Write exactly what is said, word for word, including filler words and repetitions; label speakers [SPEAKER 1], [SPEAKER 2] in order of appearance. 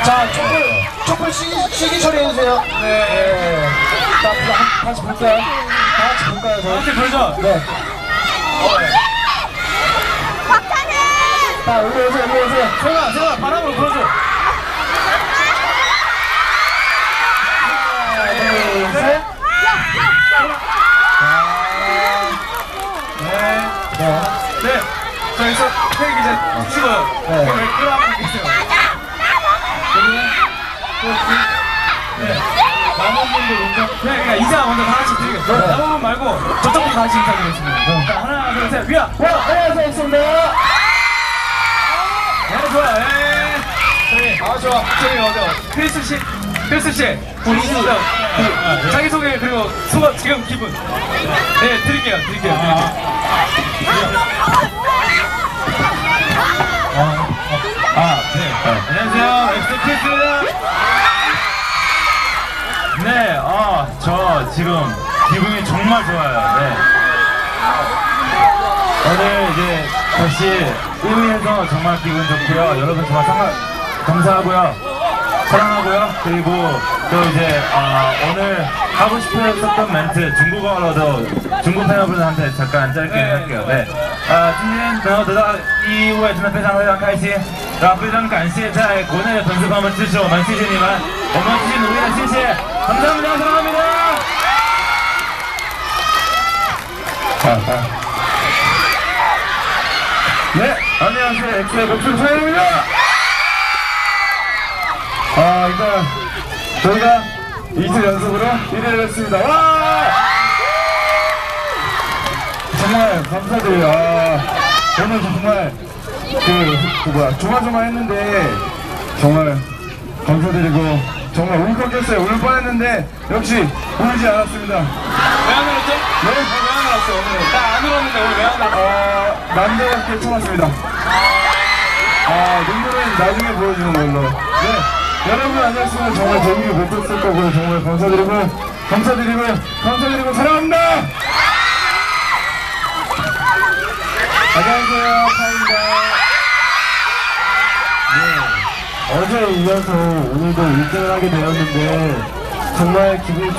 [SPEAKER 1] 자, 촛불, 촛불 시기, 시기 처리해주세요. 네. 네. 자, 다, 다시 볼까요? 다 같이 볼까요? 저?
[SPEAKER 2] 같이 불죠?
[SPEAKER 1] 네. 자, 여기 오세요, 여기 오세요.
[SPEAKER 2] 세훈아, 세훈아, 바람으로 불어줘.
[SPEAKER 1] 하나, 둘, 셋.
[SPEAKER 2] 네.
[SPEAKER 1] 네.
[SPEAKER 2] 네. 저 여기서 태기 이제 치고요.
[SPEAKER 1] 네.
[SPEAKER 2] 왜 끌어안고 계세요? 네.
[SPEAKER 1] 남은 분들 인정.
[SPEAKER 2] 네, 그러니까 인사 먼저 다 같이 드리겠습니다.
[SPEAKER 1] 네.
[SPEAKER 2] 남은 분 말고 저쪽부터 같이 인사드리겠습니다.
[SPEAKER 1] 네.
[SPEAKER 2] 자, 하나, 둘, 셋, 위아!
[SPEAKER 1] 와, 안녕하세요, 엑소입니다.
[SPEAKER 2] 네, 좋아요. 네. 저희,
[SPEAKER 1] 아, 좋아.
[SPEAKER 2] 저희 어디, 크리스 씨, 크리스 씨, 본인 저, 그, 자기소개, 그리고 소감, 지금 기분. 네, 드릴게요, 드릴게요, 드릴게요. 아, 네. 안녕하세요, 엑소 크리스입니다. 네, 아, 저 지금 기분이 정말 좋아요. 네. 오늘 이제 다시 일 위에서 정말 기분 좋고요. 여러분 정말 상가, 감사하고요. 사랑하고요. 그리고 또 이제 아, 오늘 하고 싶었던 멘트 중국어로도 중국 팬여러분한테 잠깐 짧게 할게요. 네. 아, 今天能够得到第一位真的非常非常开心，然后非常感谢在国内的粉丝朋友们支持我们，谢谢你们，我们继续努力的，谢谢，감사합니다，사랑합니다。 아, 아. 네, 안녕하세요. 엑소의 백준서입니다. 아, 일단 저희가 이틀 연속으로 일 위를 했습니다. 와! 정말 감사드려요. 아, 오늘 정말 그, 그 뭐야 조마조마했는데 정말 감사드리고 정말 울컥했어요. 울 뻔했는데 역시 울지 않았습니다. 왜 안 울었죠?
[SPEAKER 1] 네?
[SPEAKER 2] 왜 안 울었어요? 오늘 나 안 울었는데 오늘 왜 안 울었어?
[SPEAKER 1] 어, 남자답게 참았습니다. 아, 눈물은 나중에 보여주는 걸로. 네, 여러분 아니었으면 정말 재미를 못했을 거고요. 정말 감사드리고, 감사드리고, 감사드리고, 사랑합니다! 안녕하세요, 카입니다. 네, 어제 이어서 오늘도 일 등을 하게 되었는데, 정말 기분이